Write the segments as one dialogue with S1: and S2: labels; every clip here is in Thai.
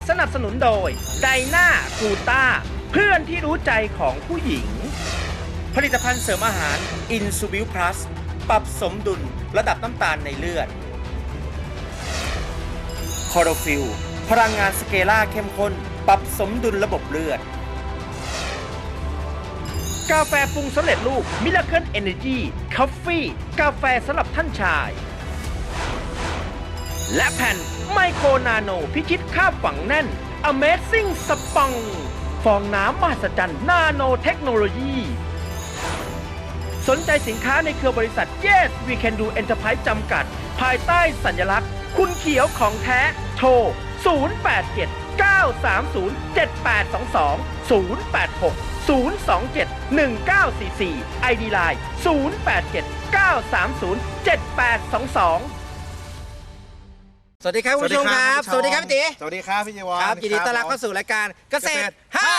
S1: สนับสนุนโดยไดนากูต้าเพื่อนที่รู้ใจของผู้หญิงผลิตภัณฑ์เสริมอาหารอินซูบิลพลัสปรับสมดุลระดับน้ำตาลในเลือดคอโรฟิลพลังงานสเกล่าเข้มข้นปรับสมดุลระบบเลือดกาแฟปรุงสำเร็จรูปมิลาเคิลเอเนจีคอฟฟี่กาแฟสำหรับท่านชายและแผ่นไมโครนาโนพิชิตค่าฝังแน่น Amazing สปังฟองน้ำมหัศจรรย์นาโนเทคโนโลยีสนใจสินค้าในเครือบริษัท Yes We Can Do Enterprise จำกัด ภายใต้สัญลักษณ์คุณเขียวของแท้โทร 087 930 7822 086 027 1944 ID Line 087 930 7822สวัสดีครับคุณผู้ชมครับสวัสดีครับพี่ตี
S2: สวัสดีครับพี่จีวร
S1: ครับยินดีต้อนรับเข้าสู่รายการเกษตร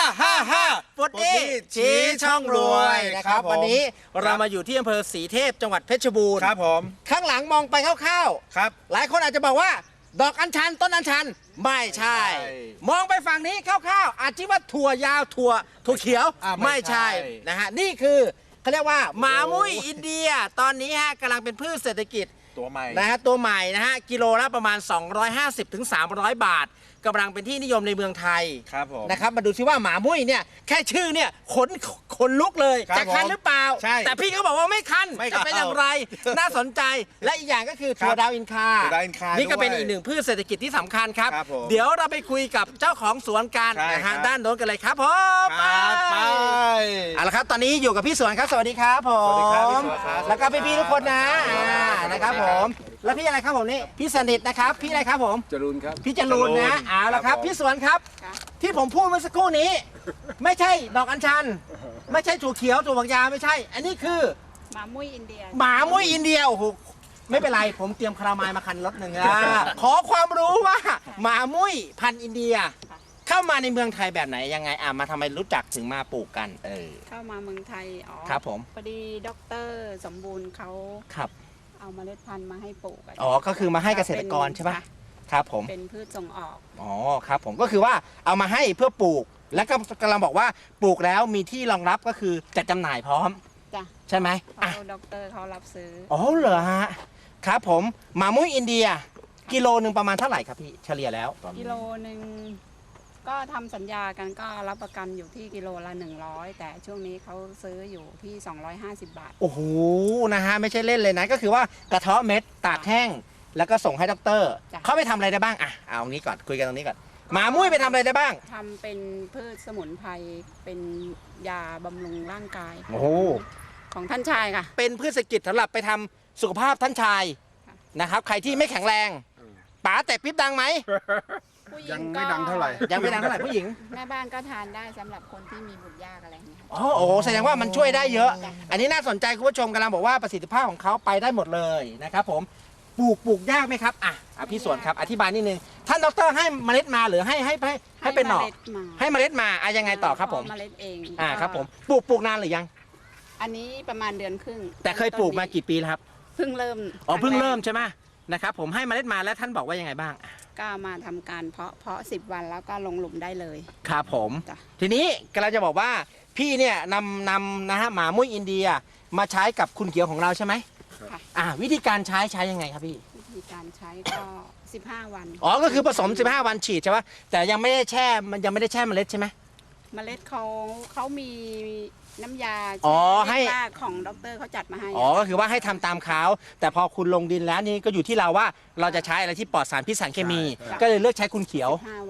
S1: 555ฟุตดี้ชี้ช่องรวยนะครับวันนี้เรามาอยู่ที่อำเภอศรีเทพจังหวัดเพชรบูรณ์
S2: ครับผม
S1: ข้างหลังมองไปคร่าวๆ
S2: ครับ
S1: หลายคนอาจจะบอกว่าดอกอัญชันต้นอัญชันไม่ใช่มองไปฝั่งนี้คร่าวๆอาจจะว่าถั่วยาวถั่วเขียวไม่ใช่นะฮะนี่คือเขาเรียกว่าหมามุ้ยอินเดียตอนนี้ฮะกำลังเป็นพืชเศรษฐกิจ
S2: ตัวใหม่
S1: นะฮะตัวใหม่นะฮะกิโลละประมาณ250 ถึง 300 บาทกำลังเป็นที่นิยมในเมืองไทย
S2: ครับผม
S1: นะครับมาดูซิว่าหมามุ้ยเนี่ยแค่ชื่อเนี่ยขนลุกเลยจะคันหรือเปล่าแต่พี่เขาบอกว่าไม่คันจะเป็นอย่างไรน่าสนใจและอีกอย่างก็คือถั่วดาวอินคานี่ก็เป็นอีกหนึ่งพืชเศรษฐกิจที่สำคัญครับเดี๋ยวเราไปคุยกับเจ้าของสวนกันนะฮะด้านโน้นกันเลยครับผมไปเอาละครับตอนนี้อยู่กับพี่สวนครับสวัสดีครับผมแล้วก็พี่ๆทุกคนนะนะครับผมแล้วพี่อะไรครับผมนี่พี่สนิทนะครับพี่อะไรครับผม
S2: จรูนครับ
S1: พี่จรูนนะเอาละครับพี่สวนครับที่ผมพูดเมื่อสักครู่นี้ไม่ใช่ดอกอัญชันไม่ใช่ถั่วเขียวถั่วฝักยาวไม่ใช่อันนี้คือ
S3: หมามุ้ยอินเดีย
S1: หมามุ้ยอินเดียโอ้โหไม่เป็นไรผมเตรียมคารามายมาคันรถหนึ่งขอความรู้ว่าหมามุ้ยพันธุ์อินเดียเข้ามาในเมืองไทยแบบไหนยังไงมาทำไมรู้จักถึงมาปลูกกัน
S3: เข้ามาเมืองไทยอ๋อ
S1: ครับผม
S3: พอดีด็อกเตอร์สมบูรณ์เขา
S1: ครับ
S3: เอาเมล็ดพันธุ์มาให้ปลูก
S1: อ๋อก็คือมาให้เกษตรกรใช่ไหมครับผม
S3: เป็นพืชส่งออก
S1: อ๋อครับผมก็คือว่าเอามาให้เพื่อปลูกแล้วก็กำลังบอกว่าปลูกแล้วมีที่รองรับก็คือจัดจำหน่ายพร้อม
S3: จ้ะ
S1: ใช่ไหม
S3: ด็อกเตอร์เขารับซื้อ
S1: อ๋อเหรอฮะครับผมหมามุ้ยอินเดียกิโลนึงประมาณเท่าไหร่ครับพี่เฉลี่ยแล้ว
S3: กิโลนึงก็ทำสัญญากันก็รับประกันอยู่ที่กิโลละ100แต่ช่วงนี้เขาซื้ออยู่ที่250 บาท
S1: โอ้โหนะฮะไม่ใช่เล่นเลยนะก็คือว่ากระเทาะเม็ดตากแห้งแล้วก็ส่งให้ด็อกเตอร์เขาไปทำอะไรได้บ้างเอาตรงนี้ก่อนคุยกันตรงนี้ก่อนหมามุ้ยไปทำอะไรได้บ้าง
S3: ทำเป็นพืชสมุนไพรเป็นยาบำรุงร่างกาย
S1: โอ้โห
S3: ของท่านชายค่ะ
S1: เป็นพืชเศรษฐกิจสำหรับไปทำสุขภาพท่านชายนะครับใครที่ไม่แข็งแรงป๋าแต่ปิ๊บดังไหม
S2: ยังไม่ดังเท่าไหร่
S1: ยังไม่ดังเท่าไหร่ผู้หญิง
S3: แม่บ้านก็ทานได้สำหรับคนที่มีบุตรยากอะไรอย่างเงี้ย
S1: โอ้โหแสดงว่ามันช่วยได้เยอะอันนี้น่าสนใจคุณผู้ชมกำลังบอกว่าประสิทธิภาพของเขาไปได้หมดเลยนะครับผมปลูกยากไหมครับพี่สวนครับอธิบายนิดนึงท่านดรให้เมล็ดมาหรือให้เป็นหน่อให้เมล็ดมายังไงต่อครับผม
S3: เมล็ดเอง
S1: ครับผมปลูกนานหรือยัง
S3: อันนี้ประมาณเดือนครึ่ง
S1: แต่เคยปลูกมากี่ปีแล้วครับ
S3: เพิ่งเริ่ม
S1: เพิ่งเริ่มใช่ไหมนะครับผมให้เมล็ดมาแล้วท่านบอกว่ายังไงบ้าง
S3: ก็มาทำการเพาะ10 วันแล้วก็ลงหลุมได้เลย
S1: ครับผมทีนี้กำลังจะบอกว่าพี่เนี่ยนำนะฮะหมามุ้ยอินเดียมาใช้กับคุณเขียวของเราใช่ไหมวิธีการใช้ยังไงครับพี่
S3: วิธีการใช้ก็15 วัน
S1: ก็คือผสม15 วันฉีดใช่ไหมแต่ยังไม่ได้แช่เมล็ดใช่ไหม
S3: เมล็ดเขามีน้ำยา
S1: ให้
S3: ของด็อกเตอร์เขาจัดมาให้
S1: ก็คือว่าให้ทำตามเขาแต่พอคุณลงดินแล้วนี่ก็อยู่ที่เราว่าเราจะใช้อะไรที่ปลอดสารพิษสารเคมีก็เลยเลือกใช้คุณเขียว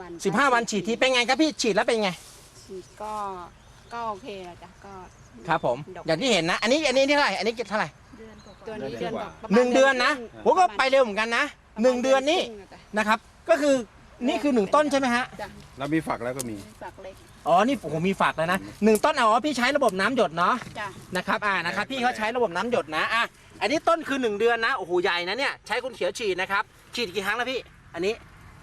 S1: 15 วันฉีดทีเป็นไงครับพี่ฉีดแล้วเป็นไง
S3: ฉีดก็โอเคนะจ๊ะก็
S1: ครับผมอย่างที่เห็นนะอันนี้เท่าไหร่อันนี้เท่าไหร่
S3: ตัวนี้เดือน
S1: 1 เดือนนะผมก็ไปเร็วเหมือนกันนะ1 เดือนนี่นะครับก็คือนี่คือ1 ต้นใช่ไหมฮะ
S2: แล้วมีฝักแล้วก็มี
S3: ฝักเล็ก
S1: นี่ผมมีฝักแล้วนะ1 ต้นพี่ใช้ระบบน้ำหยดเนาะนะครับนะครับพี่เขาใช้ระบบน้ำหยดนะอันนี้ต้นคือ1 เดือนนะโอ้โหใหญ่นะเนี่ยใช้คุณเขียวฉีดนะครับฉีดกี่ครั้งแล้วพี่อันนี้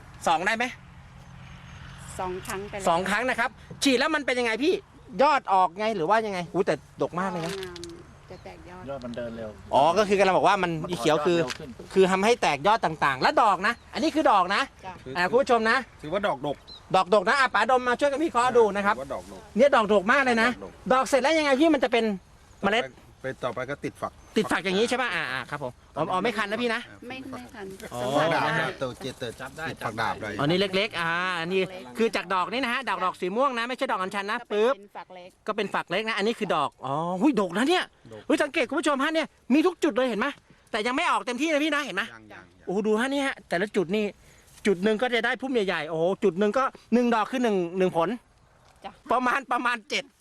S1: 2ได้ไหม
S3: 2 ครั้งไป
S1: 2 ครั้งนะครับฉีดแล้วมันเป็นยังไงพี่ยอดออกไงหรือว่ายังไงแต่ดกมากเลยนะ
S3: จะแตกยอด
S4: ยอดมันเดินเร็ว
S1: อ๋อก็คือกำลังบอกว่ามันอีเขียวคือ
S4: มันถอดยอดเร็วขึ้น
S1: คือทำให้แตกยอดต่างๆ และดอกนะ อันนี้คือดอกนะ
S3: จ้ะ
S1: คุณผู้ชมนะ
S2: ถือว่าดอกดก
S1: ดอกดกนะป๋าดมมาช่วยกันพี่เคราะห์ดูนะครับ
S2: ถือว่าดอกดก
S1: เนี่ยดอกดกมากเลยนะ
S2: ดอก
S1: ดอกเสร็จแล้วยังไงพี่มันจะเป็นเมล็ด
S2: ไปต่อไปก็ติดฝัก
S1: ติดฝักอย่างนี้ใช่ป่ะครับผมอ๋อไม่คันนะพี่นะ
S3: ไม่ทัน
S1: อ๋อ
S3: สัมผั
S2: ฝั
S3: ส
S2: กดาบ
S3: ได้
S2: เติดติดฝักดาบได้
S1: อ๋อนี่เล็กๆอันนี้คือจากดอกนี่นะฮะดอกสีม่วงนะไม่ใช่ดอกอัญชันนะปึ๊บ
S3: เป็นฝักเล็ก
S1: ก็เป็นฝักเล็กนะอันนี้คือดอกอ๋อหุยดกนะเนี่ยหุยสังเกตคุณผู้ชมฮะเนี่ยมีทุกจุดเลยเห็นไหมแต่ยังไม่ออกเต็มที่นะพี่นะเห็นไหม
S2: ยัง
S1: โอ้โหดูฮะนี่ฮะแต่ละจุดนี่จุดหนึ่งก็จะได้พุ่มใหญ่ๆโอ้โหจุดหนึ่งก็1 ดอกคือ1ผล
S3: จ้ะ
S1: ประมาณ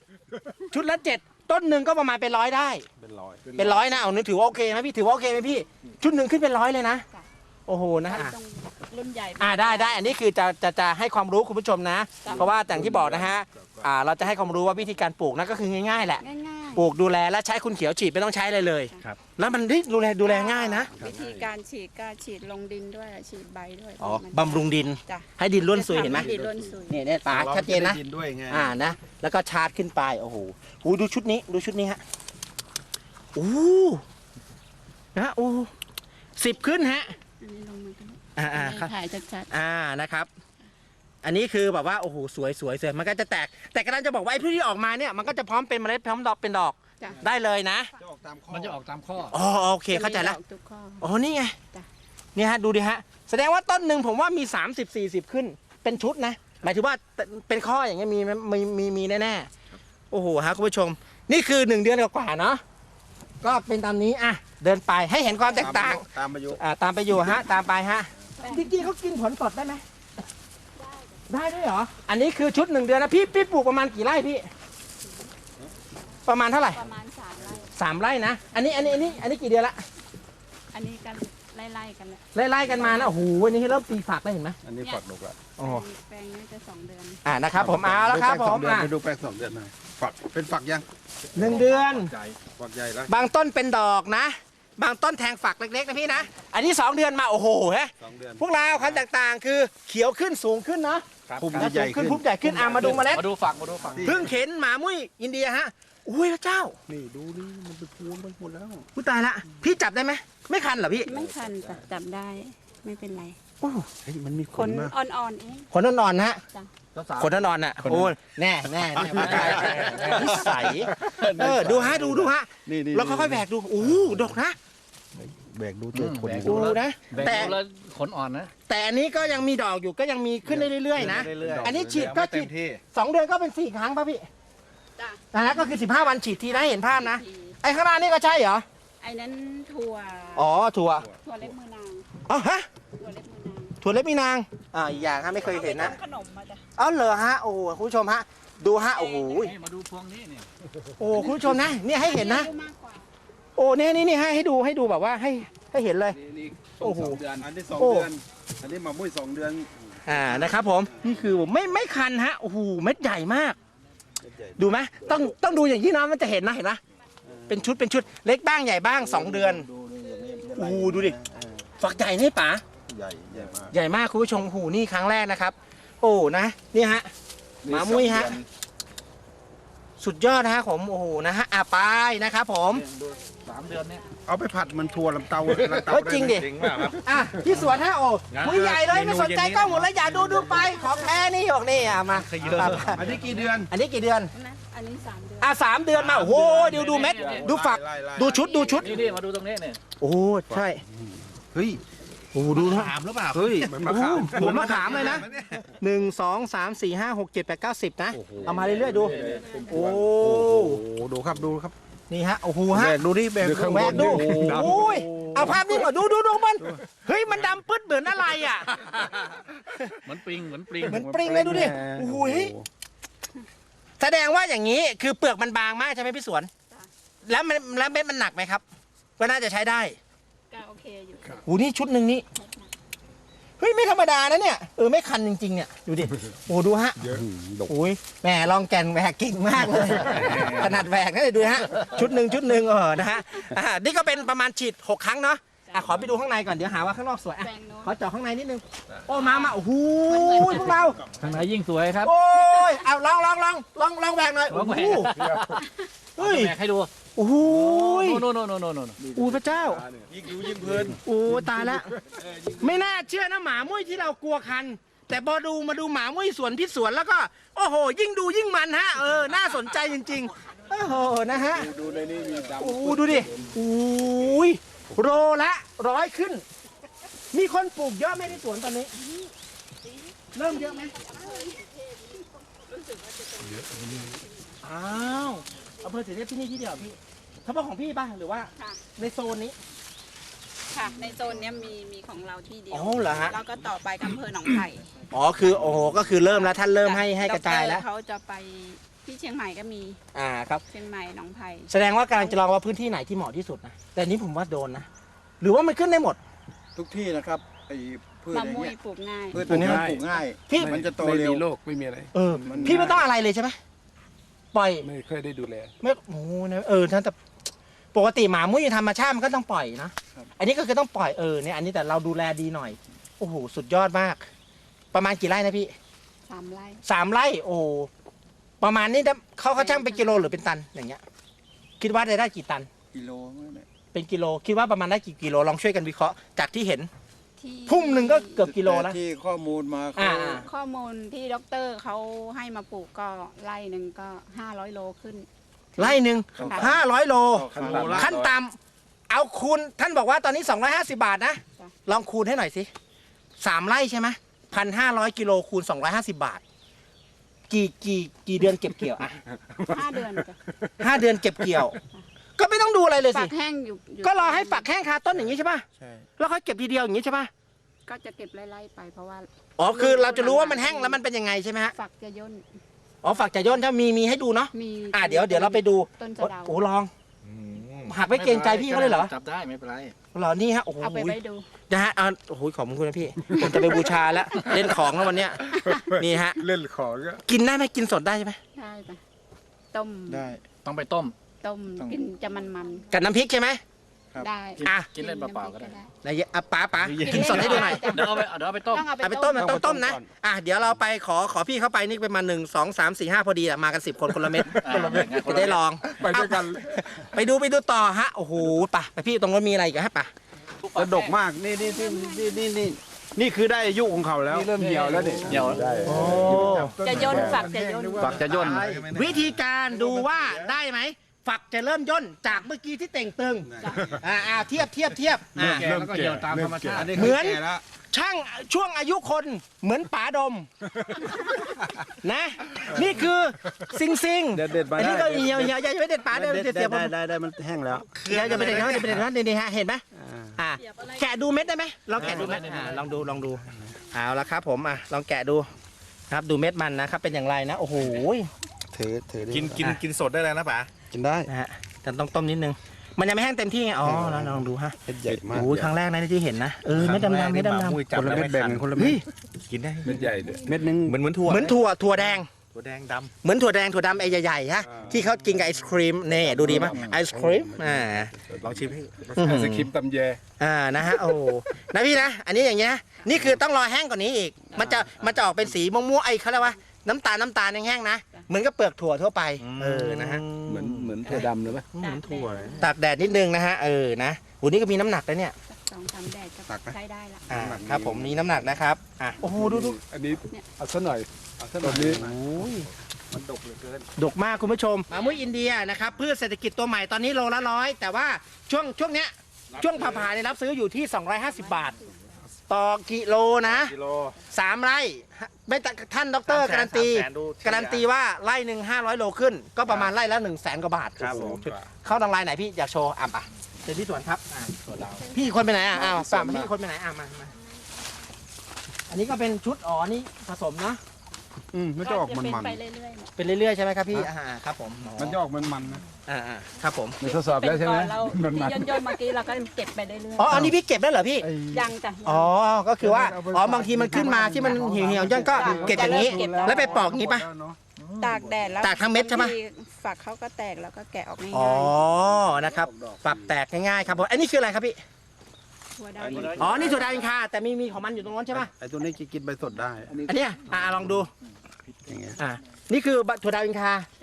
S1: 7ชุดละ7ต้นหนึ่งก็ประมาณเป็น100ได้
S2: เป็นร้อย
S1: เป็น100นะเอานึกถือว่าโอเคไหมพี่ถือว่าโอเคไหมพี่ชุดหนึ่งขึ้นเป็น100เลยนะ
S3: จ้ะ
S1: โอ้โหนะ
S3: มัน
S1: ฮะ
S3: ต้องรุ่นใหญ่
S1: ได้อันนี้คือจะให้ความรู้คุณผู้ชมนะ
S3: จ้ะ
S1: เพราะว่าอย่างที่บอกนะฮะเราจะให้ความรู้ว่าวิธีการปลูกนะก็คือง่ายๆแหละ
S3: ง่าย
S1: ปลูกดูแลและใช้คุณเขียวฉีดไม่ต้องใช้อะไรเลย
S4: ครับ
S1: แล้วมันดูแลง่ายนะ
S3: ๆวิธีการฉีดก็ฉีดลงดินด้วยฉีดใบด้วย
S1: อ๋อ
S3: มัน
S1: บำรุงดิน
S3: จ้ะ
S1: ให้ดินร่วนซุยเห็นไหม
S3: จะทำดินร่วนซุย
S1: เนี่ยป๋าชัดเจนนะ
S2: ราไม่ไดิด้วยไง
S1: นะแล้วก็ชาร์จขึ้นไปโอ้โหดูชุดนี้ฮะโอ้นะโอ้10ขึ้นฮะ
S3: อันนี้ลงมาตรงนี้
S1: ครับ
S3: ถ่ายชัด
S1: นะครับ อันนี้คือแบบว่าโอ้โหสวยมันก็จะแตกแต่กำลังจะบอกว่าไอ้พืชที่ออกมาเนี่ยมันก็จะพร้อมเป็นเมล็ดพร้อมดอกเป็นดอก
S3: ๆจ้ะ
S1: ได้เลยนะ
S2: จะออกตามข้อ
S4: มันจะออกตามข้อ
S1: อ๋อโอเคเข้าใจแล้ว
S3: จะมีดอกทุกข้อ
S1: อ๋อนี่ไง
S3: จ้ะ
S1: เนี่ยฮะดูดิฮะแสดงว่าต้นหนึ่งผมว่ามี30-40ขึ้นเป็นชุดนะหมายถึงว่าเป็นข้ออย่างเงี้ยมีแน่ๆโอ้โหฮะคุณผู้ชม นี่คือ1 เดือนกว่าๆเนาะก็เป็นตามนี้อ่ะเดินไปให้เห็นความแตกต่าง
S2: ตามอายุ
S1: ตามไปอยู่ฮะตามไปฮะจริงๆเขากินผลสดได้ไหมได้ด้วยเหรออันนี้คือชุด1 เดือนนะพี่ปลูกประมาณกี่ไร่พี่ ประมาณเท่าไหร่
S3: ประมาณ3 ไร่
S1: 3 ไร่นะอันนี้กี่เดือนละ
S3: อันนี้กันไล่ๆกันแหละ
S1: ไล่ๆกันมานะโอ้โหอันนี้เริ่มตีฝักแล้วเห็นไหม
S2: อันนี้ฝักดกละ
S1: โอ้
S3: แปลงนี้จะ2 เดือน
S1: นะครับผมเอาแล้วครับผม
S2: ไปดูแปลง2 เดือนหน่อยฝักเป็นฝักยัง
S1: 1 เดือน
S4: ใจ
S2: ฝักใหญ่แล้ว
S1: บางต้นเป็นดอกนะ บางต้นแทงฝักเล็กๆนะพี่นะอันนี้2 เดือนมาโอ้โหฮะ
S2: 2 เดือน
S1: พวกเราความแตกต่างคือเขียวขึ้นสูงขึ้นเนาะ
S2: พุ่ม
S1: นะ
S2: ใหญ่
S1: สูง
S2: ขึ้น
S1: พุ่มใหญ่ขึ้นมาดูเมล็ด
S4: มาดูฝัก
S1: เพิ่งเข็นหมามุ้ยอินเดียฮะอุ้ยพระเจ้า
S2: นี่ดูนี่มันเป็นพวงไปหมดแล้ว
S1: ผู้ตายละพี่จับได้ไหมไม่คันเหรอพี่
S3: ไม่คันจ้ะจับได้ไม่เป็นไร
S1: โอ้
S2: เฮ้ยมันมีข
S3: ข
S2: น
S3: น
S2: มาก
S3: อ่อนๆเอง
S1: ขนนอนๆนะฮะ
S4: สาวๆ
S1: ขนนอนๆน่ะโอ้ยแน่ผู้ตายนิสัยดูฮะดูฮะ
S2: นี่
S1: แล้วค่อยๆแบกดูโอ้ดกนะ
S2: แบกดูตัวขน
S4: แบก
S1: ดูนะ
S4: แบ่ง
S1: แต่
S4: ดูแล้วขนอ่อนนะ
S1: แต่อันนี้ก็ยังมีดอกอยู่ก็ยังมีขึ้นได้เรื่อยๆนะ
S2: เรื่อยๆ
S1: อันนี้ฉีดก็ฉีด
S2: เต็มที่
S1: 2 เดือนก็เป็น4 ครั้งป่ะพี่
S3: จ้ะ
S1: นะก็คือ15 วันฉีดทีนะเห็นภาพนะ
S3: ที
S1: ไอ้ข้างหน้านี่ก็ใช่เหรอ
S3: ไอ้นั้นถั่ว
S1: อ๋อถั่ว
S3: ถั่วเล็บมือนาง
S1: อ๋อฮะ
S3: ถั่วเล็บมือนาง
S1: ถั่วเล็บมีนางอีกอย่างฮะไม่เคยเห็นนะ
S3: อาไปทำขนมมาจ้ะ
S1: เอาเหรอฮะโอ้โหคุณผู้ชมฮะดูฮะโอ้โห
S4: นี่มาดูพวงนี้เนี่ย
S1: โอ้โหคุณผู้ชมนะเนี่ยให้เห็นนะ
S3: อายุมากกว่า
S1: โอ้เนี่ยนี่ให้ดูแบบว่าให้เห็นเลย
S4: นี่
S1: โอ้โห
S4: 2 เดือน
S2: อันนี้
S1: โอ้
S2: 2 เดือน อันนี้มามุ้ย2 เดือน
S1: นะครับผมนี่คือไม่คันฮะโอ้โหเม็ดใหญ่มาก ดูไหมต้องดูอย่างที่น้องมันจะเห็นนะเห็นไหมเป็นชุดเล็กบ้างใหญ่บ้าง 2 เดือน
S2: ดูอย่างนี้
S1: โอ้โหดูดิฝักใหญ่นี่ป๋า
S2: ใหญ่มาก
S1: ใหญ่มากคุณผู้ชมหูนี่ครั้งแรกนะครับ โอ้นะนี่ฮะ หมามุ้ยฮะ สุดยอดนะฮะผมโอ้โหนะฮะไปนะครับผม
S4: ดู3 เดือนเนี่ย
S2: เอาไปผัดมันทัวลำเตา
S1: เฮ้ยจริงดิ
S5: จริงเปล่าครับ
S1: อ่ะที่สวนฮะโอ้
S5: งั้น
S1: คุยใหญ่เลยไม่สนใจกล้องหมดเลยอย่าดูไปของแท้นี่บอกนี่มา
S2: อันนี้กี่เดือน
S1: อันนี้กี่เดือน
S3: นะอันนี้3 เดือน
S1: 3 เดือนมาโอ้โหดูเม็ดดูฝัก
S2: ไล่
S1: ดูชุด
S4: นี่มาดูตรงนี้เนี่ย
S1: โอ้ใช่
S2: เฮ้ย
S1: โอ้ดูนะ
S5: ถามหรือเปล่า
S2: เฮ้ยมันมะขาม
S1: โอ้โหเหมือนมะขามเลยนะ 1 2 3 4 5 6 7 8 9 10นะเอามาเรื่อยๆดูโอ้
S2: โอ้โหดูครับ
S1: นี่ฮะโอ้โห
S2: แบ
S1: ฮะ
S2: กดูดิแบก
S1: แบกดูโอ้ยเอาภาพนี้ก่อนดูมันเฮ้ยมันดำปึ๊ดเหมือนอะไรอ่ะ
S4: เหมือนปริง
S1: เหมือนปริงเลยดูดิโอ้โหแสดงว่าอย่างนี้คือเปลือกมันบางมากใช่ไหมพี่สวน แล้วเม็ดมันหนักไหมครับก็น่าจะใช้ได้
S3: ก็โอเคอยู่
S1: โอ้นี่ชุดหนึ่งนี่เฮ้ยไม่ธรรมดานะเนี่ยไม่คันจริงๆเนี่ยดูดิโอ้ดูฮะ
S2: ดก
S1: โอ้ยแหมลองแก่นแหวกเก่งมากเลยขนาดแหวกนะดูฮะชุดหนึ่งนะฮะนี่ก็เป็นประมาณฉีด6 ครั้งเนาะขอไปดูข้างในก่อนเดี๋ยวหาว่าข้างนอกสวย
S3: แปลงโน้น
S1: ขอเจาะข้างในนิดนึงโอ้มาโอ้โหพวกเรา
S4: ข้างในยิ่งสวยครับ
S1: โอ้ยเอาลองแหวกหน่อย
S4: ลองแหวก
S1: โอ้โหเฮ้ย
S4: แบกให้ดู
S1: โโอ้โหย
S4: โน่น
S1: อู้พระเจ้า
S2: ยิ่งดูยิ่งเพลิน
S1: โอ้ตายแล้วไม่น่าเชื่อนะหมามุ้ยที่เรากลัวคัน แต่พอมาดูหมามุ้ยสวนพิษสวนแล้วก็ โอ้โห ยิ่งดูยิ่งมันฮะน่าสนใจจริงๆโอ้โหนะฮะ
S2: ดูในนี้มีดำ
S1: โอ้ดูดิโอ้ยโลละ100ขึ้น มีคนปลูกเยอะไหมในสวนตอนนี้ เริ่มเยอะไหมอ้าวอำเภอศรีเทพที่นี่ที่เดียวพี่เฉพาะของพี่ป่ะหรือว่า
S3: ค่ะ
S1: ในโซนนี้
S3: ค่ะ ในโซนเนี้ยมีของเราที่เดียว
S1: อ๋อเหรอฮะ
S3: แล้วก็ต่อไปอำเภอหนองไผ่
S1: อ๋อคือโอ้โหก็คือเริ่มแล้วท่านเริ่มให้กระจายแล้ว
S3: ดรเขาจะไปที่เชียงใหม่ก็มี
S1: ครับ
S3: เชียงใหม่หนองไผ่
S1: แสดงว่ากำลังจะลองว่าพื้นที่ไหนที่เหมาะที่สุดนะแต่อันนี้ผมว่าโดนนะหรือว่ามันขึ้นได้หมด
S2: ทุกที่นะครับไอ้พืช
S3: มะ
S2: อย่าง
S3: ม่ว
S2: เงี้
S3: ย
S2: ย
S3: ปลูกง่าย
S2: พืชตัวนี้มันปลูกง่าย
S1: พี่
S2: มันจะโต
S5: ไม่
S2: เร็ว
S5: มีโรคไม่มีอะไร
S1: พี่ไม่ต้องอะไรเลยใช่ไหมปล่อย
S5: ไม่เคยได้ดูแล
S1: ไม่โอ้โหนะท่านแต่ปกติหมามุ้ยธรรมชาติมันก็ต้องปล่อยนะ
S2: ครับ
S1: อันนี้ก็คือต้องปล่อยเนี่ยอันนี้แต่เราดูแลดีหน่อยโอ้โหสุดยอดมาก ประมาณกี่ไร่นะพี่
S3: 3 ไร่
S1: 3 ไร่โอ้โหประมาณนี้เขาช่างเป็นกิโลหรือเป็นตันอย่างเงี้ย คิดว่าได้กี่ตัน
S2: กิโลเนี่ย
S1: เป็นกิโลคิดว่าประมาณได้กี่กิโลลองช่วยกันวิเคราะห์จากที่เห็น
S3: ที่
S1: พุ่มหนึ่งก็เกือบกิโลแล้ว
S2: ที่ข้อมูลมา
S1: อ่า
S3: ข้อมูลที่ด็อกเตอร์เขาให้มาปลูกก็ไร่หนึ่งก็500 โลขึ้น
S1: ไร่หนึ่ง
S3: ค่ะ
S1: 500 โล
S2: ขั้นต่ำ
S1: ขั้นต่ำเอาคูณท่านบอกว่าตอนนี้250 บาทนะ
S3: จ้ะ
S1: ลองคูณให้หน่อยสิ3 ไร่ใช่ไหม1,500 กิโลคูณ250 บาท กี่เดือนเก็บเกี่ยวอ่ะ
S3: 5 เดือนจ้ะ
S1: 5 เดือนเก็บเกี่ยว ก็ไม่ต้องดูอะไรเลย
S3: ฝั
S1: สิ
S3: กแห้งอยู่
S1: ก็รอให้ฝักแห้งคาต้นอย่างนี้ใช่ป่ะ
S2: ใช่
S1: แล้วค่อยเก็บทีเดียวอย่างนี้ใช่ป่ะ
S3: ก็จะเก็บไล่ๆไปเพราะว่า
S1: อ๋อคือเราจะรู้ว่ามันแห้งแล้วมันเป็นยังไงใช่ไหมฮะ
S3: ฝักจะย่น
S1: อ๋อฝักจะย่นถ้ามีให้ดูเนาะ
S3: มี
S1: เดี๋ยวเราไปดู
S3: ต้นสะเดา
S1: โอ้ลองหักไม่เกรงใจพี่เขาเลยเหรอ
S4: จับได้ไม่เป็นไร
S1: เหรอนี่ฮะโอ้โห
S3: เอาไปไว้ดู
S1: นะฮะโอ้โหขอบคุณนะพี่ ผมจะไปบูชาแล้ว เล่นของแล้ววันเนี้ยนี่ฮะ
S5: เล่นของก็
S1: กินได้ไหมกินสดได้ใช่ไหม
S3: ได้ปะต้ม
S2: ได้
S4: ต้องไปต้ม
S3: ต้ม
S2: ต้อง
S3: กินจะมัน
S1: กับน้ำพริกใช่ไหม
S2: ครับ
S3: ๆได้
S4: กิน
S1: อ่ะ
S4: กินเล่นเปล่าๆก็ได้
S1: ไหนป๋ากินสดให้ดูหน่อย
S4: เดี๋ยวเอาไปต้ม
S3: ต้องเอา
S1: เอาไป
S3: ไป
S1: ต้
S3: ต้
S1: ม
S3: ม
S1: นะต้องต้มนะ
S2: ก่อน
S1: เดี๋ยวเราไปขอพี่เข้าไปนี่เป็นมา1 2 3 4 5พอดีอะมากัน10 คนคนละเม็ด
S4: คนละเม็ดไงคนละเม็ด
S1: จะได้ลอง
S5: ไปด้วยกัน
S1: ไปดูต่อฮะโอ้โหไปพี่ตรงนั้นมีอะไรอีกันฮะป่ะ
S2: กระดกมากนี่คือได้อายุของเขาแล้ว
S5: นี่เริ่มเหี่ยวแล้วเนี่ย
S4: เหี่ยว
S5: ได้
S1: โอ้
S3: จะย่นฝักจะย่น
S4: ฝักจะย่น
S1: วิธีการดูว่าได้ไหมฝักจะเริ่มย่นจากเมื่อกี้ที่เต่งตึงเทียบ
S5: แล้วก็เหี่ยวตามธรรมชาติ
S1: เหมือน
S2: แก่แล้ว
S1: ช่างช่วงอายุคนเหมือนป๋าดม นะ นี่คือซิง
S2: เด็ดๆมา
S1: อัน
S2: ได้
S1: นี้ก็เหี่ยวอย่าไปเด็ดป๋าเดี๋ยวจะเสียผม
S2: ได้มันแห้งแล้ว
S1: อย่าไปเด็ดนะนี่ฮะเห็นไหมแกะดูเม็ดได้ไหมเราแกะดูเม็ดลองดูเอาละครับผมลองแกะดูครับดูเม็ดมันนะครับเป็นอย่างไรนะโอ้โห
S2: ถือ
S6: กินสดได้เลยนะป๋า
S2: กินได้
S1: นะฮะแต่ต้องต้มนิดนึงมันยังไม่แห้งเต็มที่ไงแล้วลองดูฮะ
S2: เม็ดใหญ่มาก
S1: โอ้ยครั้งแรกนะที่เห็นนะเม็ดดำๆเม็ดดำ
S2: คนละเม็ดแบ่งกันคนละเม็ด
S6: กินได้
S5: เม็ดใหญ่ด้วย
S2: เม็ดนึง
S6: เหมือนถั่ว
S1: เหมือนถั่วแดง
S6: ถั่วแดงด
S1: เหมือนถั่วแดงถั่วดำไอ้ใหญ่ๆฮะที่เขากินกับไอศครีมนี่ดูดีมั้ยไอศครีม
S6: ำลองชิมให้
S5: สคริปต์ตำแย
S1: นะฮะโอ้นะพี่นะอันนี้อย่างเงี้ยนี่คือต้องรอแห้งกว่านี้อีกมันจะออกเป็นสีม่วงๆไอ้เขาเรียกว่าน้ำตาลแห้งๆนะเหมือนกับเปลือกถั่วทั่วไปนะฮะ
S5: เหมือนถั่วดำเลยไหม
S1: เหมือนถั่วตากแดดนิดนึงนะฮะนะโหนี่ก็มีน้ำหนักแล้วเนี่ย
S3: 2-3 แดดก็ใช้ได้ละ
S1: ครับผมมีน้ำหนักนะครับโอ้โหดู
S5: อันนี้เอาซะหน่อยเอาซะหน่อยนี้
S2: มันดกเหลือเกิน
S1: ดกมากคุณผู้ชมหมามุ้ยอินเดียนะครับพืชเศรษฐกิจตัวใหม่ตอนนี้โลละ100แต่ว่าช่วงเนี้ยช่วงผ่าๆเนี่ยรับซื้ออยู่ที่250 บาท ต่อกิโลนะ
S6: กิโล
S1: 3 ไร่ไม่แต่ท่านดรการันตีว่าไร่หนึ่ง500 โลขึ้น ก็ประมาณไร่ละ100,000 กว่าบาท
S6: ครับผม
S1: เข้าทางไลน์ไหนพี่อยากโชว์ป่ะเดี๋ยวที่สวนครับสวนเราพี่คนไปไหนป่ะพี่คนไปไหนมาอันนี้ก็เป็นชุดนี่ผสมนะ
S2: มันจะออกมัน
S3: เป็นไปเรื่อยๆ
S1: เป็นเรื่อยๆใช่ไหมครับพี่ครับผม
S2: มันจะออกมันนะ
S1: ครับผม
S5: ไม่ทดสอบแล้วใช่ไหม
S3: เรา
S5: มัน
S3: ที่ย่นๆเมื่อกี้เราก็เก็บไปเรื่อย
S1: อันนี้พี่เก็บได้เหรอพี่
S3: ยังจ้ะ
S1: ก็คือว่าบางทีมันขึ้นมาที่มันเหี่ยวๆย่อนก็เก็บอย่างนี้ แล้วไปปอกอย่างนี้ป่ะ
S3: ตากแดดแล้ว
S1: ตากทั้งเม็ดใช่ไหม
S3: บางทีฝักเขาก็แตกแล้วก็แกะออกง่าย
S1: นะครับปรับแตกง่ายๆครับผมอันนี้คืออะไรครับพี่
S3: ๆถั่วดำ
S1: นี่ถั่วดาวอินคาแต่มีของมันอยู่ตรงนั้นใช่ป่ะ
S2: ไอ้ตัวนี้กินใบสดได้
S1: อันเนี้ยลองดู
S2: อย่างเงี้ย
S1: นี่คือถั่วดาวอินคา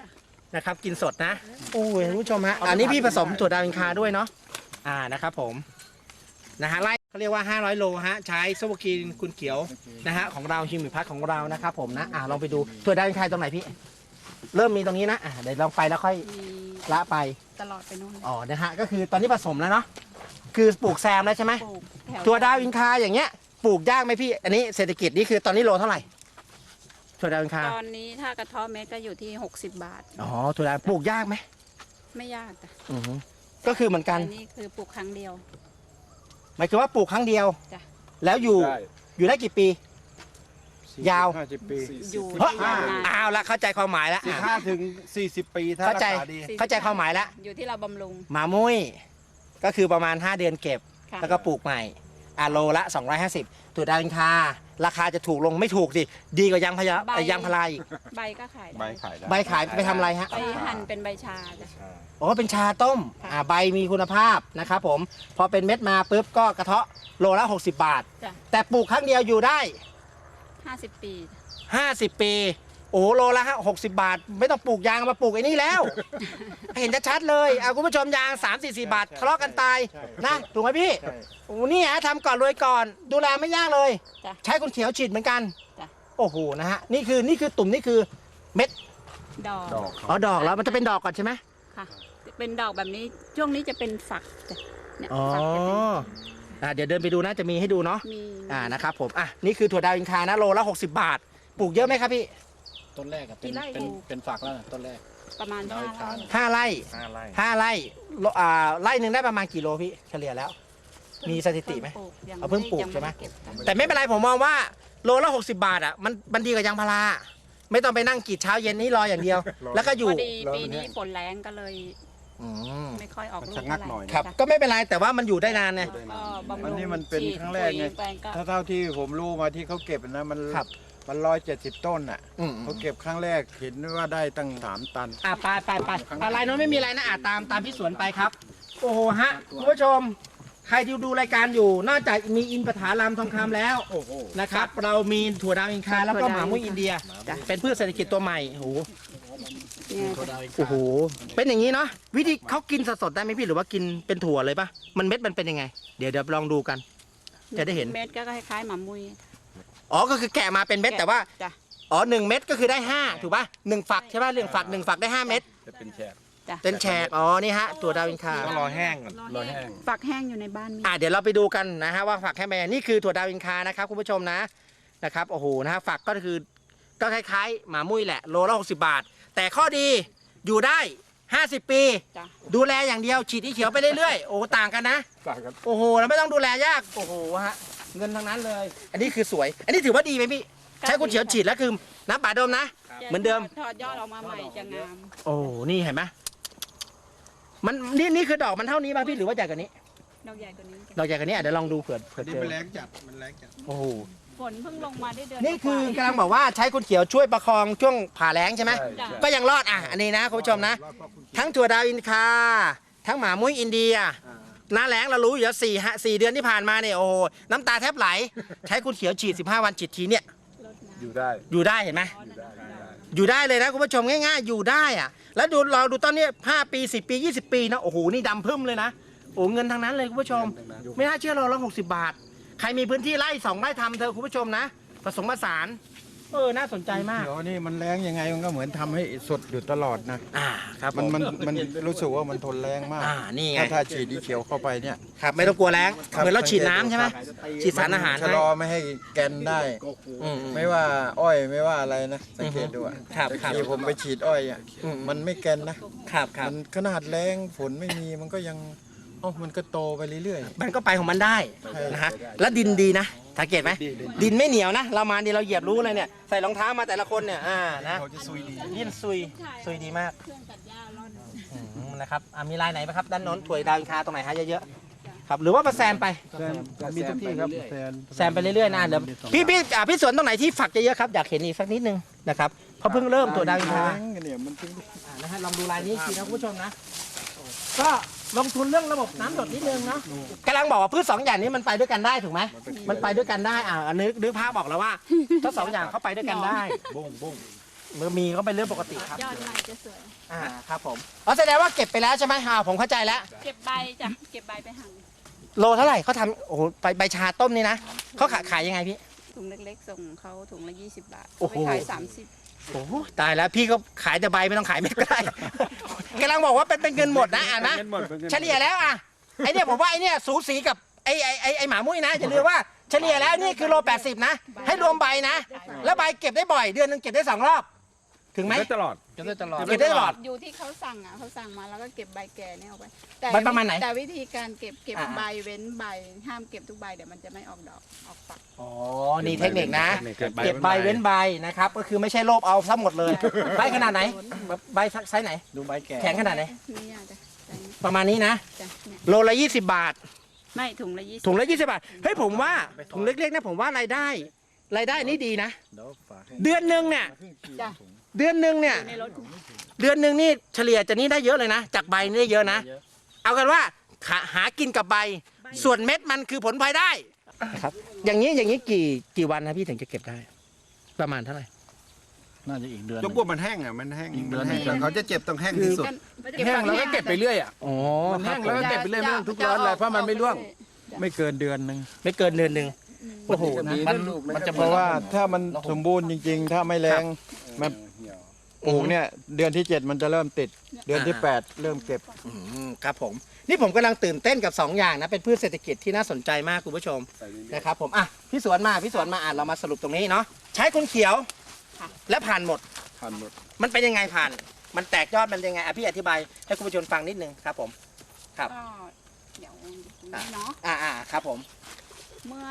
S1: นะครับกินสดนะโอ้ยคุณผู้ชมฮะอันนี้พี่ผสมถั่วดาวอินคาด้วยเนาะนะครับผมนะฮะไล่เขาเรียกว่า500 โลฮะใช้โซโบกีนคุณเขียวนะฮะของเราฮิวมิพัทของเรานะครับผมนะลองไปดูถั่วดาวอินคาตรงไหนพี่เริ่มมีตรงนี้นะเดี๋ยวลองไปแล้วค่อย
S3: มี
S1: ละไป
S3: ตลอดไปนู่นเลย
S1: อ๋อนะฮะก็คือตอนนี้ผสมแล้วเนาะคือปลูกแซมแล้วใช่ไหม
S3: ปลูกแถว
S1: ถั่วดาวอินคาอย่างเงี้ยปลูกยากไหมพี่อันนี้เศรษฐกิจนี่คือตอนนี้โลเท่าไหร่ถั่วดาวอินคา
S3: ตอนนี้ถ้ากระเท้อเม็ดก็อยู่ที่60 บาท
S1: อ๋อถั่วดาวปลูกยากไหม
S3: ไม่ยากจ้ะ
S1: อือฮึก็คือเหมือนกัน
S3: อันนี้คือปลูกครั้งเดียว
S1: หมายถึงว่าปลูกครั้งเดียว
S3: จ้ะ
S1: แล้วอยู่
S5: ได้
S1: อยู่ได้กี่ปี ยาว
S2: 50 ปี
S3: อยู่
S1: เฮ้ย
S3: ได้ยาวนาน
S1: อ้าวละเข้าใจความหมายแล้ว
S2: 15 ถึง 40 ปีถ้า
S1: เข้า
S2: รัก
S1: ใจ
S2: ษาดี
S1: เข้าใจความหมายแล้ว
S3: อยู่ที่เราบำรุง
S1: หมามุ้ยก็คือประมาณ 5 เดือนเก็บ
S3: ค่ะ
S1: แล้วก็ปลูกใหม่โลละ 250ถั่วดาวอินคาราคาจะถูกลงไม่ถูกสิดีกว่ายางพารา
S3: ใบ
S1: ยางพาราอีก
S3: ใบก็ขายได้
S2: ใบขายได้
S1: ใบขายไปทำอะไรฮะ
S3: ไปหั่นเป็นใบชาจ้ะ
S1: อ๋อเป็นชาต้ม
S3: ค่ะ
S1: ใบมีคุณภาพนะครับผมพอเป็นเม็ดมาปุ๊บก็กระเทาะโลละ60 บาท
S3: จ้ะ
S1: แต่ปลูกครั้งเดียวอยู่ได้
S3: 50 ปี
S1: 50 ปี โอ้โหโลละ60 บาท ไม่ต้องปลูกยางมาปลูกไอ้นี่แล้ว เห็นชัดๆเลยคุณผู้ชมยาง3-4 บาททะเลาะกันตายนะถูกไหมพี่
S2: ใช่
S1: โอ้นี่ฮะทำก่อนรวยก่อน ดูแลไม่ยากเลย
S3: จ้ะ
S1: ใช้คนเขียวฉีดเหมือนกัน
S3: จ้ะ
S1: โอ้โหนะฮะนี่คือตุ่มนี่คือเม็ด
S3: ดอก
S2: ดอก
S1: อ๋อดอกแล้วมันจะเป็นดอกก่อนใช่ไหม
S3: ค่ะ เป็นดอกแบบนี้ช่วงนี้จะเป็นฝักจ้ะเนี่ย
S1: อ๋อ
S3: ฝักจะเป็น
S1: เดี๋ยวเดินไปดูนะจะมีให้ดูเนาะ
S3: มี
S1: นะครับผมนี่คือถั่วดาวอินคานะโลละ60 บาท ปลูกเยอะไหมครับพี่
S4: ต้นแรกอะเป็นฝักแล้วนะต้นแรก
S3: ประมาณ
S4: น้อย
S3: 5 ไร่
S1: 5 ไร่
S6: 5 ไร่
S1: 5 ไร่ไร่หนึ่งได้ประมาณกี่โลพี่เฉลี่ยแล้ว มีสถิติไหม เอาเพิ่งปลูกใช่ไหม
S3: ยังด้เก็บจ้ะ
S1: แต่ไม่เป็นไรผมมองว่าโลละ60 บาทมันดีกว่ายางพาราไม่ต้องไปนั่งกรีดเช้าเย็นนี่รออย่างเดียว แล้วก็อยู่
S3: พอดีปีนี้ฝนแรงก็เลย
S1: อืม
S3: ไม่ค่อยออกลูก
S2: ชะงักหน่อย
S1: ครับ
S3: จ้ะ
S1: ก็ไม่เป็นไรแต่ว่ามันอยู่ได้นานไง
S3: ก็บำรุง
S2: อันนี้มันเป็น
S3: ฉีด
S2: ครั้งแรกไง
S3: ปุ๋ยแปลก็
S2: ถ้าเท่าที่ผมรู้มาที่เขาเก็บนะมัน
S1: ครับ
S2: มัน170 ต้นอ่ะ
S1: อืม
S2: เขาเก็บครั้งแรกเห็นว่าได้ตั้ง3 ตัน
S1: ไปอะไรเนาะไม่มีอะไรนะตามพี่สวนไปครับ โอ้โหฮะคุณผู้ชม ใครที่ดูรายการอยู่นอกจากมีอินปถารามทองคำแล้วนะครับ เรามีถั่วดาวอินคาแล้วก็หมามุ้ยอินเดีย เป็นพืชเศรษฐกิจตัวใหม่โอ้โห
S3: เนี่ย
S1: โอ้โหเป็นอย่างนี้เนาะวิธีเขากินสดๆได้ไหมพี่หรือว่ากินเป็นถั่วเลยปะมันเม็ดมันเป็นยังไง เดี๋ยวลองดูกัน จะได้เห็น
S3: เม็ดก็คล้ายๆหมามุย
S1: อ๋อก็คือแกะมาเป็นเม็ดแต่ว่า
S3: จ้ะ
S1: อ๋อ1 เม็ดก็คือได้5ถูกปะ1 ฝักใช่ปะ1 ฝักได้ 5 เม็ด
S5: จะเป็นแฉก
S3: จ้ะ
S1: เป็นแฉกอ๋อนี่ฮะถั่วดาวอินคา
S6: ต้องรอแห้งก่อน
S5: รอแห้ง
S3: ฝักแห้งอยู่ในบ้านมี
S1: เดี๋ยวเราไปดูกันนะฮะว่าฝักแค่ไหนนี่คือถั่วดาวอินคานะครับคุณผู้ชมนะครับโอ้โหนะฮะฝักก็คือก็คล้ายๆหมามุ้ยแหละโลละ60 บาท แต่ข้อดีอยู่ได้ 50 ปี
S3: จ้ะ
S1: ดูแลอย่างเดียวฉีดที่เขียวไปเรื่อยๆโอ้ต่างกันนะ
S5: ต่างกัน
S1: โอ้โหแล้วไม่ต้องดูแลยากโอ้โหฮะเงินทั้งนั้นเลย อันนี้คือสวย อันนี้ถือว่าดีไหมพี่ใช้คุณเขียวฉีดแล้วคือน้ำป่าดมนะ เหมือนเดิม
S3: ถอดยอดออกมาใหม่จะงาม
S1: โอ้นี่เห็นไหมมันนี่คือดอกมันเท่านี้ป่ะพี่หรือว่าใหญ่กว่านี้
S3: ดอกใหญ่กว่านี้
S1: ดอกใหญ่กว่านี้เดี๋ยวลองดูเผื่อ
S2: นี่
S1: เจอ
S2: มันแรงจัด มันแรงจัด
S1: โอ้โห
S3: ฝนเพิ่งลงมาได้เดือน
S1: นี่คือก
S3: ว่าก
S1: ำลังบอกว่าใช้คุณเขียวช่วยประคองช่วงผ่าแล้งใช่ไหม
S5: ใช่
S3: จ้ะ
S5: ใช่
S1: ก็ยังรอดอันนี้นะคุณผู้ชมนะ ทั้งถั่วดาวอินคา ทั้งหมามุ้ยอินเดียหน้าแล้งเรารู้อยู่แล้ว4 เดือนที่ผ่านมาเนี่ยโอ้โหน้ำตาแทบไหล ใช้คุณเขียวฉีด15 วันฉีดทีเนี่ย
S3: รดน้ำ
S5: อยู่ได้
S1: อยู่ได้เห็นไหม
S5: อยู่ได้
S1: อยู่ได้เลยนะคุณผู้ชมง่ายๆ อยู่ได้อะแล้วเราดูต้นนี้5 ปี10 ปี 20 ปีนะโอ้โหนี่ดำพึ่มเลยนะโอ้เงินทางนั้นเลยคุณผู้ชม ไม่น่าเชื่อเราละ60 บาท ใครมีพื้นที่ไร่2 ไร่ทำเธอะคุณผู้ชมนะผสมผสานน่าสนใจมาก
S2: เดี๋ยวนี่มันแรงยังไงมันก็เหมือนทำให้สดอยู่ตลอดนะ
S1: ครับ
S2: มันรู้สึกว่ามันทนแรงมาก
S1: นี่ไง
S2: ถ้าฉีดดีเขียวเข้าไปเนี่ย
S1: ครับไม่ต้องกลัวแล้ง
S2: ครับ
S1: เหมือนเราฉีดน้ำใช่ไหมฉีดสารอาหาร
S2: ชะ
S1: ให้
S2: ลอไม่ให้แกนได้
S1: อืม
S2: ไม่ว่าอ้อยไม่ว่าอะไรนะสังเกตดูอ่ะ
S1: ครับ
S2: แต่ที่ผมไปฉีดอ้อยอ่ะ
S1: อืม
S2: มันไม่แกนนะครับ มันขนาดแรงฝนไม่มีมันก็ยังมันก็โตไปเรื่อย
S1: มันก็ไปของมันได้
S2: ใช่
S1: นะฮะแล้วดินดีนะสังเกตไหมดินไม่เหนียวนะเรามาเราเหยียบรู้เลยเนี่ยใส่รองเท้ามาแต่ละคนเนี่ยนะ
S2: เขาจะซุยดี
S1: ดินซุยดีมาก
S3: เครื่องตัดหญ้าร่อน
S1: นะครับมีลายไหนไหมครับด้านโน้นถั่วดาวอินคาตรงไหนฮะเยอะๆครับหรือว่ามาแซมไป
S2: มีทุกที่ครับแซน
S1: ไปเรื่อยๆนะเดี๋ยวพี่สวนตรงไหนที่ฝักเยอะๆครับอยากเห็นอีกสักนิดนึงนะครับเพราะเพิ่งเริ่มถั่วดาวอินคา
S2: เนี่ยมันถึง
S1: นะฮะลองดูลายนี้อีกทีนะคุณผู้ชมนะก็ลงทุนเรื่องระบบน้ำหยดนิดนึงเนาะกำลังบอกว่าพืช2 อย่างนี้มันไปด้วยกันได้ถูกไหมมันไปด้วยกันได้นึกภาพบอกแล้วว่าทั้ง2 อย่างเขาไปด้วยกันได้
S2: บุ้ง
S7: เมื่อมีก็เป็นเรื่องปกติครับ
S3: ยอดใหม่จะสวย
S7: ครับผมแสดงว่าเก็บไปแล้วใช่ไหมผมเข้าใจแล้ว
S3: เก็บใบจ้ะเก็บใบไปหั่น
S7: โลเท่าไหร่เขาทำโอ้โหใบชาต้มนี่นะเขาขายยังไงพี่
S3: ถุงเล็กๆส่งเขาถุงละ20 บาท
S7: โอ้โห
S3: ไปขาย30
S7: โอ้โหตายแล้วพี่ก็ขายแต่ใบไม่ต้องขายเม็ดก็ได้ กำลังบอกว่าเป็นเงินหมดนะอ่านนะเฉลี่ยแล้วไอเนี่ยผมว่าไอเนี่ยสูสีกับไอหมามุ้ยนะอย่าลืมว่าเฉลี่ยแล้วนี่คือโล80นะให้รวมใบนะแล้วใบเก็บได้บ่อยเดือนนึงเก็บได้2 รอบถึงไหม
S5: ได้ตลอด
S7: เก็บได้ตลอด
S3: อยู่ที่เขาสั่งเขาสั่งมาแล้วก็เก็บใบแก่เนี่ยเอาไป
S7: ใบประมาณไหน
S3: แต่วิธีการเก็บใบเว้นใบห้ามเก็บทุกใบเดี๋ยวมันจะไม่ออกดอกออกฝัก
S7: อ๋อนี่เทคนิคนะ
S5: เก็บใบ
S7: เก็บใบเว้นใบนะครับก็คือไม่ใช่โลภเอาซะหมดเลยใบขนาดไหนใบไซส์ไหน
S4: ดูใบแก่
S7: แข็งขนาดไหน
S3: นี่อ่ะจ้ะจ้ะ
S7: ประมาณนี้นะ
S3: จ้ะเนี่ย
S7: โลละ20 บาท
S3: ไม่ถุงละ20
S7: ถุงละ20 บาทเฮ้ยผมว่าถุงเล็กๆนะผมว่ารายได้นี่ดีนะ
S4: เดี๋ยวฝากให้
S7: เดือนหนึ่งเนี่ย
S3: จ้ะ
S7: เดือนหนึ่งเนี่ย
S3: ในรถ
S7: เดือนหนึ่งนี่เฉลี่ยจะนี่ได้เยอะเลยนะจากใบนี่ได้เยอะนะ
S4: เยอะ
S7: เอากันว่าหากินกับใบส่วนเม็ดมันคือผลพลอยได้ครับอย่างนี้กี่วันนะพี่ถึงจะเก็บได้ ประมาณเท่าไหร่
S4: น่าจะอีกเดือนห
S2: ย
S4: นึ่
S2: ก
S4: ง
S2: พวกมันแห้งอ่ะมันแห้ง
S4: อีกเดือน
S2: มันแห้ง
S4: หนึ่ง
S2: เขาจะเจ็บต้องแห้งที่สุด
S5: แห้งแล้วก็เก็บไปเรื่อยอ่ะ
S7: อ๋อ
S5: มัน
S7: ครั
S5: แห้
S7: บ
S5: ง
S7: ผ
S5: แล้ว
S7: ม
S5: ก็เก็บไปเรื่อยไม่ต้องทุกร้อนเลยเพราะมันไม่ร่วง
S2: ไม่เกินเดือนหนึ่ง
S7: ไม่เกินเดือนหนึ่งโอ้โหนะ
S4: มันจะ
S2: เพราะว่าถ้ามันสมบูรณ์จริงๆ ถ้าไม่แรงมันปลูกเนี่ยเดือนที่ 7 มันจะเริ่มติด เดือนที่ 8 เริ่มเก็บ
S7: ครับผมนี่ผมกำลังตื่นเต้นกับ2อย่างนะเป็นพืชเศรษฐกิจที่น่าสนใจมากคุณผู้ชมนะครับผมพี่สวนมาเรามาสรุปตรงนี้เนาะใช้คนเขียวและผ่านหมด
S5: ผ่านหมด
S7: มันเป็นยังไงผ่าน มันแตกยอดมันยังไงพี่อธิบายให้คุณผู้ชมฟังนิดนึงครับผมครับ
S3: ก็เดี๋ยวนี้เนาะ
S7: ครับผม
S3: เมื่อ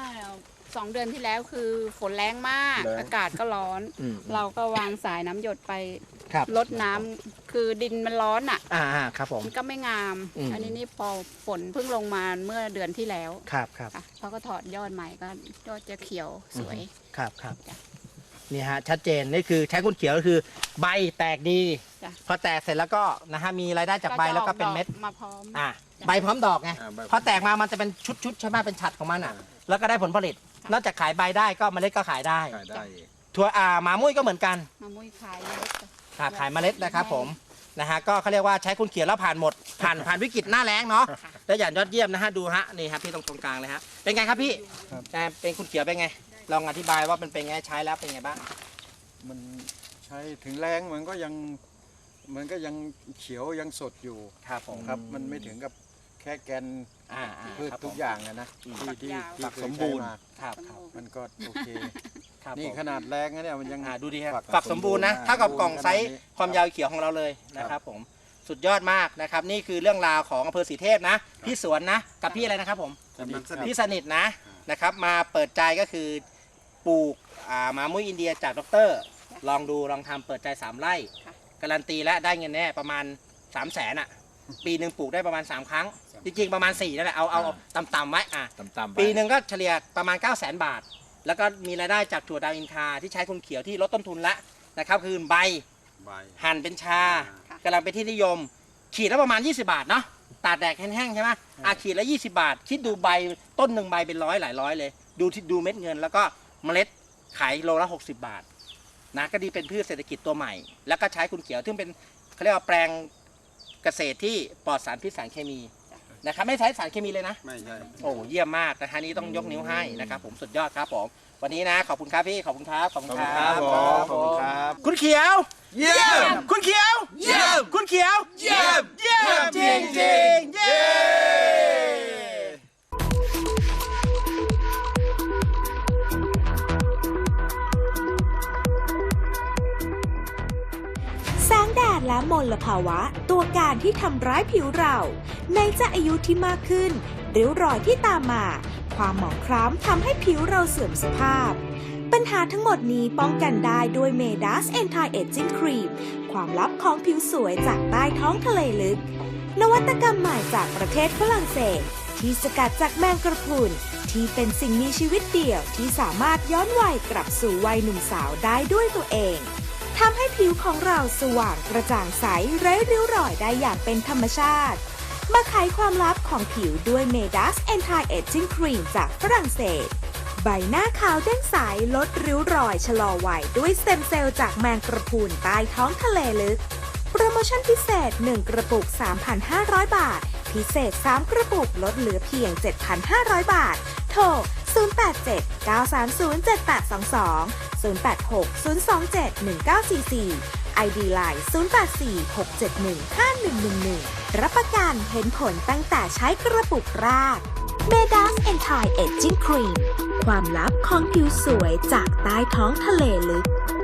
S3: 2 เดือนที่แล้วคือฝนแรงมาก
S7: แรง
S3: อากาศก็ร้อน เราก็วางสายน้ำหยดไป
S7: ครับ
S3: ลดน้ำคือดินมันร้อนอ่ะ
S7: ครับผม
S3: มันก็ไม่งาม
S7: อืม
S3: อันนี้นี่พอฝนเพิ่งลงมาเมื่อเดือนที่แล้ว
S7: ครับ
S3: ค่ะเขาก็ถอดยอดใหม่ก็ยอดจะเขียวสวย
S7: ครับนี่ฮะชัดเจนนี่คือใช้คนเขียวก็คือใบแตกดี
S3: จ้ะ
S7: พอแตกเสร็จแล้วก็นะฮะมีรายได้จากใบแล้วก็เป็นเม็ด
S3: จะออดอกมาพร้อม
S7: ใบพร้อมดอกไงพอแตกมามันจะเป็นชุดใช่ไหมเป็นฉัดของมันแล้วก็ได้ผลผลิต นอกจากขายใบได้ก็เมล็ดก็ขายได้ ถั่วหมามุ้ยก็เหมือนกัน
S3: มามุ้ยขายเล็กจ้ะ
S7: ขายเมล็ดนะครับผมนะฮะก็เขาเรียกว่าใช้คนเขียวแล้วผ่านหมดผ่านวิกฤตหน้าแล้งเนาะและอย่างยอดเยี่ยมนะฮะดูฮะนี่ครับพี่ตรงกลางเลยฮะเป็นไงครับพี่เป็นคุณเขียวเป็นไงลองอธิบายว่ามันเป็นไงใช้แล้วเป็นไงบ้าง
S2: มันใช้ถึงแรงมันก็ยังเขียวยังสดอยู่
S7: ครับผม
S2: ครับ มันไม่ถึงกับแค่แกนพืช
S7: ครับผม
S2: ทุกอย่างนะที่
S7: ฝัก
S2: เคย
S7: สมบูรณ์
S2: ใช้า
S7: ครับ
S2: มันก็โอเค
S7: ครับ
S2: นี่
S7: ผม
S2: ขนาดแรงนะเนี่ยมันยัง
S7: ดูดีครับ
S2: ฝัก
S7: ฝักสมบูรณ์นะ
S2: สมบูรณ์
S7: เท่ากับกล่องไซส์
S2: ขนาดนี้
S7: ความยาวเขียวของเราเลยนะครับผมสุดยอดมากนะครับนี่คือเรื่องราวของอำเภอศรีเทพนะพี่สวนนะกับพี่อะไรนะครับผม พี่สนิทนะครับมาเปิดใจก็คือปลูกหมามุ้ยอินเดียจากดร.ลองดูลองทำเปิดใจ3 ไร่การันตีและได้เงินแน่ประมาณ 300,000อ่ะปีหนึ่งปลูกได้ประมาณ3 ครั้งจริงๆประมาณ4นั่นแหละเอาต่ำๆไว้
S4: ต่ำๆ
S7: ปีหนึ่งก็เฉลี่ยประมาณ 900,000 บาท แล้วก็มีรายได้จากถั่วดาวอินคาที่ใช้คนเขียวที่ลดต้นทุนละนะครับคือใบหั่นเป็นชากำลังเป็นที่นิยมขีดละประมาณ20 บาทเนาะตากแดดแห้งๆใช่ไหมขีดละ20 บาทคิดดูใบต้นหนึ่งใบเป็นหลายร้อยเลยดูเม็ดเงินแล้วก็เมล็ดขายโลละ60 บาทนะก็ดีเป็นพืชเศรษฐกิจตัวใหม่แล้วก็ใช้คุณเขียวซึ่งเป็นเขาเรียกว่าแปลงเกษตรที่ปลอดสารพิษสารเคมีนะครับไม่ใช้สารเคมีเลยนะไม่ใช่โอ้เยี่ยมมากนะฮะนี้ต้องยกนิ้วให้นะครับผมสุดยอดครับผมวันนี้นะขอบคุณครับพี่ขอบคุณครับขอบคุณครับ
S2: ขอบคุณครับ
S7: คุณเขียวเยี่ยมคุณเขียวเยี่ยมคุณเขียวเยี่ยมจริงเย้
S8: แสงแดดและมลภาวะตัวการที่ทำร้ายผิวเราในจะอายุที่มากขึ้นริ้วรอยที่ตามมาความหมองคล้ำทำให้ผิวเราเสื่อมสภาพปัญหาทั้งหมดนี้ป้องกันได้ด้วยเมดัส Anti-Aging Cream ความลับของผิวสวยจากใต้ท้องทะเลลึกนวัตกรรมใหม่จากประเทศฝรั่งเศสที่สกัดจากแมงกระพรุนที่เป็นสิ่งมีชีวิตเดี่ยวที่สามารถย้อนวัยกลับสู่วัยหนุ่มสาวได้ด้วยตัวเองทำให้ผิวของเราสว่างกระจ่างใสไร้ริ้วรอยได้อย่างเป็นธรรมชาติมาไขความลับของผิวด้วยเมดัส Anti-Aging Cream จากฝรั่งเศสใบหน้าขาวเด้งใสลดริ้วรอยชะลอวัยด้วยสเต็มเซลล์จากแมงกระพรุนใต้ท้องทะเลลึก โปรโมชั่นพิเศษ 1 กระปุก 3,500 บาท พิเศษ 3 กระปุกลดเหลือเพียง 7,500 บาท โทร 087-930-7822 086-027-1944 ID Line 084-671-5111 รับประกันเห็นผลตั้งแต่ใช้กระปุกแรก Medas Anti Aging Cream ความลับของผิวสวยจากใต้ท้องทะเลลึก